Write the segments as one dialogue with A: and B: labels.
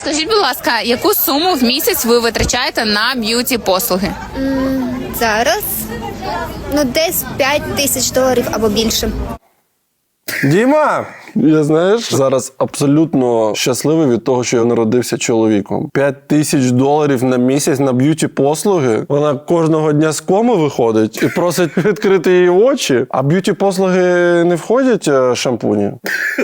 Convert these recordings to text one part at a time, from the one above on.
A: Скажіть, будь ласка, яку суму в місяць ви витрачаєте на б'юті-послуги?
B: Зараз, десь $5000 або більше.
C: Діма! Я, знаєш, зараз абсолютно щасливий від того, що я народився чоловіком. $5000 на місяць на б'юті-послуги. Вона кожного дня з коми виходить і просить відкрити її очі. А б'юті-послуги не входять шампуні?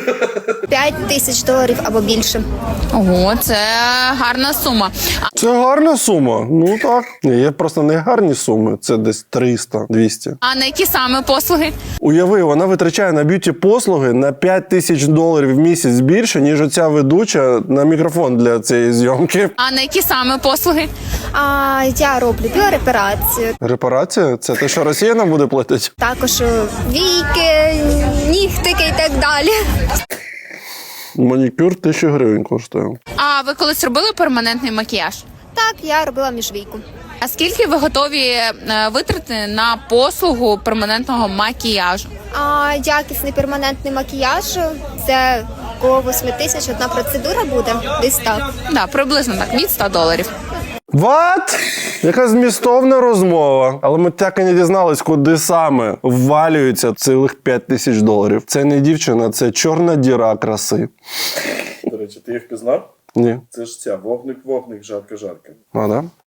B: $5000 або більше.
A: Ого, це гарна сума.
C: Це гарна сума. Ну так. Ні, є просто не гарні суми. Це десь 300-200.
A: А на які саме послуги?
C: Уяви, вона витрачає на б'юті-послуги на $5000 в місяць більше, ніж оця ведуча на мікрофон для цієї зйомки.
A: А на які саме послуги?
B: Я роблю біорепарацію,
C: Репарація? Це те, що Росія нам буде платити?
B: також війки, нігтики і так далі.
C: Манікюр 1000 гривень коштує.
A: А ви колись робили перманентний макіяж?
B: Так, я робила міжвійку.
A: А скільки ви готові витратити на послугу перманентного макіяжу?
B: Якісний перманентний макіяж – це коло 8000 одна процедура буде, десь так.
A: Да, приблизно так, від $100.
C: What? Яка змістовна розмова. Але ми так і не дізнались, куди саме ввалюється цілих $5000. Це не дівчина, це чорна діра краси.
D: До речі, ти їх пізнав?
C: Ні.
D: Це ж ця вогник-вогник, жарка-жарка.
C: А, да?